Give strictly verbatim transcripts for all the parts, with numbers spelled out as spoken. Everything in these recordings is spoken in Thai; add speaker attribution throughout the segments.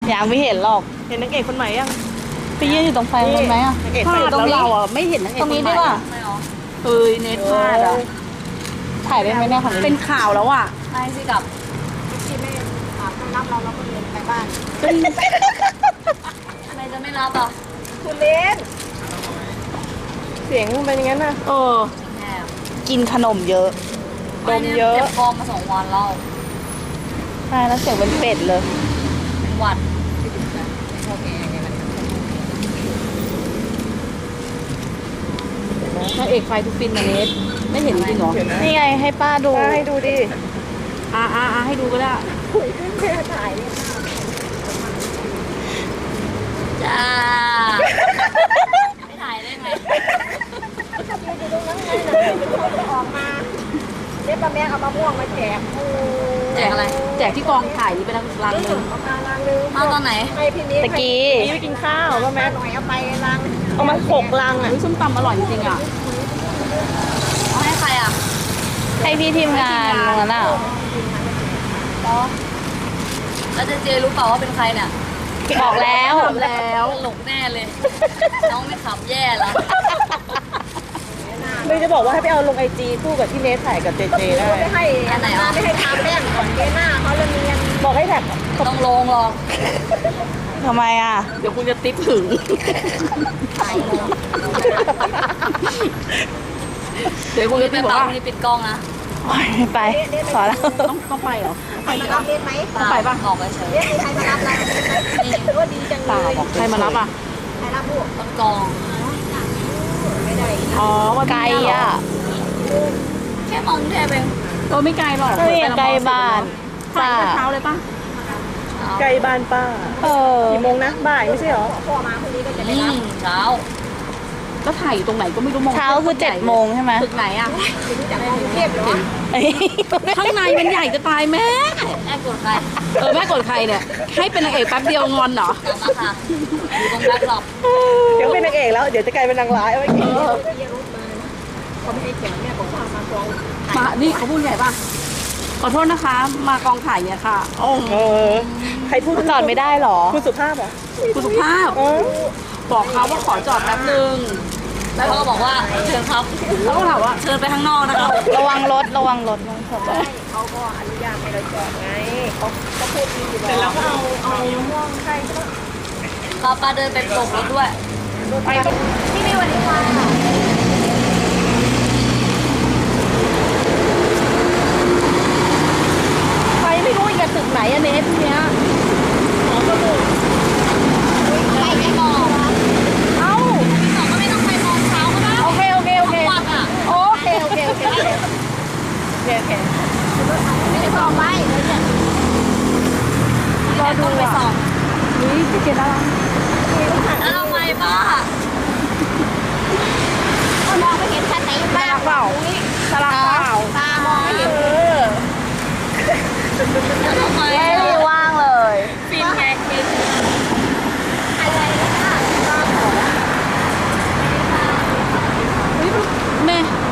Speaker 1: ยังไม่เห็นหรอก
Speaker 2: เห็นนางเอกคนใหม่ยัง
Speaker 1: ไปยืนอยู่ตรงไฟมันไหมอ่ะ
Speaker 2: นางเอก
Speaker 3: พ
Speaker 2: ใส่
Speaker 3: ลาด
Speaker 2: ตรง
Speaker 3: แล้ว
Speaker 2: นี้
Speaker 3: เราอ่ะไม่เห็นนางเอก
Speaker 1: ตรงนี้ดีกว่า
Speaker 3: ไม่หรอเอ้ยเน็ตพลาดอ่ะ
Speaker 1: ถ่ายได้ไหมเนี่ยของ
Speaker 3: เป็นข่าวแล้วอ่ะ
Speaker 4: ไม่สิกับ
Speaker 5: ที่ไม่ถามรับเราเราก็เรียนไปบ้าน
Speaker 4: ทำไมจะไม่รับอ่ะ
Speaker 5: คุณเล่น
Speaker 2: เสียงมันเป็นอย่างนั้นนะ
Speaker 3: เออ
Speaker 4: แหม
Speaker 1: กินขนมเยอะ
Speaker 2: ดมเยอะ
Speaker 4: เจ็บคอมาสองวันแล้ว
Speaker 1: ใช่แล้วเสียงเป็นเป็ดเลย
Speaker 4: เป็นหวัด
Speaker 3: นางเอกไฟทุกฟินนะเน็ตไม่เห็นจริงเหรอ
Speaker 2: เห็นนะ
Speaker 1: นี่ไงให้ป้าดู
Speaker 2: ป้าให้ดูดิ
Speaker 3: อ่าอ่าอ่าให้ดูก็ได้
Speaker 4: จ้าไม่ถ่ายได้ไง
Speaker 5: ถ้ายืนอยู่ตรงนั้นไงนะเป็นคนจะออกมาเด็กป้าแม่เอามะม่วงมาแจกโอ้
Speaker 4: แจกอะไร
Speaker 3: แจกที่กองถ่ายนี่เป็นรังหนึ่ง
Speaker 5: เอามาลังนึง
Speaker 4: มาตอนไหน
Speaker 5: ให้พี่นิด
Speaker 1: ตะกี้
Speaker 2: นี่ไปกินข้าวป่ะแม่
Speaker 5: แม่หน่อยเอาไปลัง
Speaker 2: เอามาหกลังอ่ะ
Speaker 3: อุ้ยส้มตำอร่อยจริงๆอ่ะ
Speaker 4: เอาให้ใครอ่ะ
Speaker 1: ให้พี่ทีมงานตรงนั้นอ่ะ
Speaker 4: แล้วเจเจรู้เปล่าว่าเป็นใครเนี่ย
Speaker 1: บอกแล้ว
Speaker 3: ทำแล้ว
Speaker 4: ตลกแน่เลย น้องไม่ขับแย่แล้ว
Speaker 2: เลยจะบอกว่าให้ไปเอาลงไอจีคู่กับที่เนสถ่ายกับเจเจได้
Speaker 5: ไม่ให้อันไหนไม่ให้ทาแป้งก่อนเดหน้าเขาเลยเนียน
Speaker 2: บอกให้แท็ก
Speaker 4: ต้องลงหรอก
Speaker 1: ทำไมอ่ะ
Speaker 3: เดี๋ยวคุณจะติ๊บถึง
Speaker 4: ถ่ายลง
Speaker 3: เดี๋ยวคุณจะ
Speaker 4: ไป
Speaker 3: ติ๊บบอก
Speaker 4: เป่า
Speaker 3: ว่า
Speaker 4: นี่ปิดกล้องนะ
Speaker 1: โอ๊ยไม่ไปพอแล้ว
Speaker 3: ต้องต้องไปเหรอ
Speaker 5: ใครมารับเล่นไหม
Speaker 3: ไปปะ
Speaker 4: ออกไปเฉย
Speaker 5: เล่นมีใครมารับเรานี่ถือว่าดีจังเลย
Speaker 3: ใครมารับอ่ะ
Speaker 5: ใครรับลูก
Speaker 4: ต้นกอง
Speaker 5: ไม่ได้
Speaker 3: อ๋อวัน
Speaker 1: ไกล
Speaker 3: นี้เหร
Speaker 1: อ่ะ
Speaker 4: แค่มองแทบเอง
Speaker 3: เออไม่ไกลหรอก
Speaker 1: เฮ้ยใกล้บ้าน
Speaker 3: ถ่า
Speaker 1: ป้าย
Speaker 3: ตั้งแต่เช้าเลยปะ
Speaker 2: ไกลบ้านป้า
Speaker 1: เออ
Speaker 2: กี่โมงนะบ่ายไม่ใช่เหรอ
Speaker 5: พ่อมาคนนี้ก็จะ
Speaker 4: อื
Speaker 5: ได้รับ
Speaker 4: มเช้า
Speaker 3: แล้วถ่ายอยู่ตรงไหนก็ไม่รู้มอง
Speaker 1: เช้าคือเจ็ดโมงใช่ไหม
Speaker 3: ตึกไหนอ่ะ
Speaker 5: รู้จักกรุงเทพเหรอ
Speaker 1: เอ้ย
Speaker 3: ข้างในมันใหญ่จะตายแม่
Speaker 4: แอบกดใคร
Speaker 3: เออแม่กดใครเนี่ย ให้เป็นนางเอกแป๊บเดียวงอนเหรอ
Speaker 4: กลับมาค่ะ อยู่ตรงแบ็คหลบ
Speaker 2: เดี๋ยวเป็นนางเอกแล้ว เดี๋ยวจะกลายเป็นนางร้ายเอาไว้กิน
Speaker 5: เขาไม่ให้แจกแม่ของพ่อมาฟอง
Speaker 3: มา นี่เขาพูดไงป่ะ ขอโทษนะคะ มากองถ่ายเนี่ยค่ะโอ้
Speaker 2: เออ ใครพูด
Speaker 1: จอดไม่ได้หรอ
Speaker 2: คุณสุภาพเหรอ
Speaker 3: คุณสุภาพ
Speaker 2: เออ
Speaker 3: บอกเขาว่าขอจอดแป๊บนึง
Speaker 4: แล้วเขาก็บอกว่าเชิญครับ
Speaker 3: เขาก็ถามว่า
Speaker 4: เชิญไปข้างนอกนะครับ
Speaker 1: ระวังรถระวังรถระวังรถ
Speaker 5: เขาก็อนุญาตให้เราจอดไงเขาเขาพูดดีอยู่
Speaker 2: เสร็จแล้วก็เอาเอา
Speaker 5: ม่วงใครก็
Speaker 4: ป้าป้าเดินไปตบรถด้วย
Speaker 5: ไปพี่มีวันนี้ค่ะ
Speaker 3: ใครไม่รู้อีกอะตึกไหนอะเนสเนี้ย
Speaker 4: ไปไม่มอง
Speaker 3: เอ้า
Speaker 4: พี่สองก็ไม่ต้องไปมองเช้าก็ได้
Speaker 3: โอเค โอเค โอเค
Speaker 4: วัดอ่ะ
Speaker 3: โอเค โอเค โอเค โอเค โอเคโอเค
Speaker 5: ไม่ได้บอกไว้เลยเนี่ย
Speaker 3: รอดู
Speaker 4: ไป
Speaker 3: อ่ะ
Speaker 4: สอง
Speaker 3: นี่พี่เจนน่ารัก
Speaker 4: แล้วทำไมป้า
Speaker 5: ก็มองไม่เห็นชัดไหน
Speaker 3: น่ารักเปล่าน่ารักเปล่า
Speaker 5: ตามองไม่เห็น
Speaker 4: แล้วทำไม
Speaker 1: ไม่มีว่างเลย
Speaker 4: ฟินไง
Speaker 5: อะไรนะคะ
Speaker 3: แม่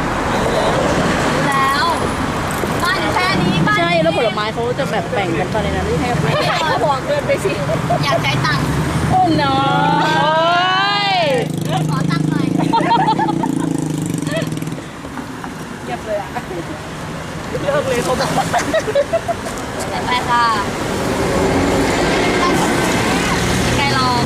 Speaker 4: แล้วบ้านอยู่แค่นี้บ้าน
Speaker 3: ใช่ แล้วผลไม้เขาจะแบบแบ่งกันตอนในนั้นที่ให้ไป
Speaker 5: เขาบอกเดินไปสิ
Speaker 4: อยากใช้ตังค์
Speaker 3: โอ้น้อ
Speaker 1: โอ้ย
Speaker 4: ขอตังค์หน่อย
Speaker 2: เงียบเลยอ่ะ เลิกเลยเขาบอก
Speaker 4: ไปค่ะไกลรอ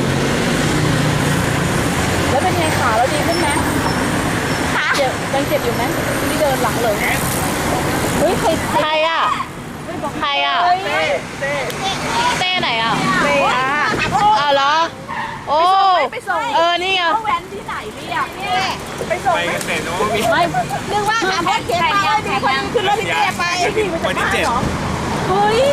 Speaker 3: แล้วเป็นไงขาเราดีขึ้นไหมขาเจ็บยังเจ็บอยู่ไหมที่เดินหลังเลย
Speaker 1: เฮ้ยใครใครอ่ะใครอ่ะ
Speaker 2: เต้เต้
Speaker 1: เต้ไหนอ่ะ
Speaker 2: เต้อะ
Speaker 1: อ้าวเหรอ โอ้เออ นี่ไง
Speaker 5: ไปส่ง
Speaker 6: ไปเกษตรนวมินทร์
Speaker 3: ไม่
Speaker 5: นึกว่าหาพ่อเขียนมาเลยมีคนขึ้นรถพี่เต้ไปพี่มาจาก
Speaker 6: วันที่
Speaker 5: บ้าน
Speaker 6: เจ็ด
Speaker 5: เหรอ
Speaker 3: เฮ้ย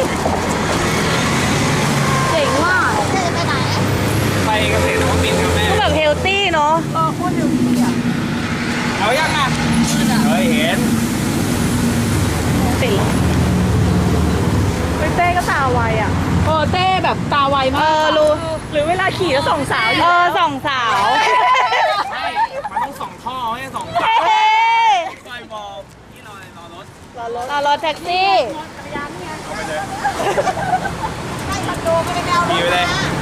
Speaker 3: เจ๋งว่ะ
Speaker 5: เต้จะไปไหน
Speaker 6: ไปเกษตรนวมินทร์ครับแม่
Speaker 1: ก็แบบเฮลตี้เนาะ
Speaker 3: เออโคตรเร็วดีอ่ะ
Speaker 6: เอายังอ่ะเฮ้ยเห็น
Speaker 1: ติดแล้ว
Speaker 2: ไปเต้ก็ตาไวอ่ะ
Speaker 3: เออเต้แบบตาไว
Speaker 1: เอ
Speaker 3: มาก
Speaker 1: อ รู้
Speaker 2: หรือเวลาขี่แล้วส่องสาวอยู่
Speaker 1: เออสองสาว
Speaker 6: ใช่ มันต้องส่องท่อไม่ใช่ส่องฝา
Speaker 1: เฮ้ย
Speaker 6: ซอยบอกที่รอรอรถ
Speaker 2: รอรถ
Speaker 1: รอรถแท็กซี่
Speaker 6: เอาไปเลย
Speaker 5: ให้คอนโดไม่ได้ไปเอาร
Speaker 6: ขี่
Speaker 5: ถ
Speaker 6: ไปเลย
Speaker 5: มา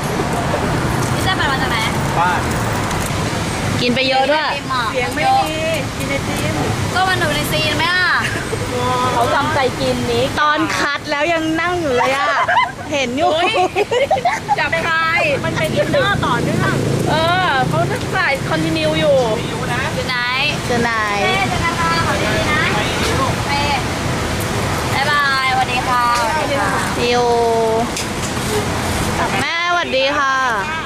Speaker 6: บ้าน
Speaker 1: กินไปเยอะด้วย
Speaker 2: เสียงไม่มีกินไอติม
Speaker 4: ก็มันอยู่ในซีนไหมอ่ะ
Speaker 3: เขาจำใจกินนี้
Speaker 1: ตอนคัดแล้วยังนั่งอยู่เลยอ่ะ เห็นอยู่
Speaker 2: จับคายมันเป็นอินเนอร์ต่อเนื่อง
Speaker 3: เออเขาจะใส่คอนติเนียอยู่
Speaker 6: อยู่นะ
Speaker 4: อยู่ไหน
Speaker 1: เจอนาย
Speaker 4: เป้เจอกันค่ะขอบคุณนะเป้บ๊ายบายสวัสดีค่ะสวัสดีค่ะ
Speaker 1: ซิวแม่สวัสดีค่ะ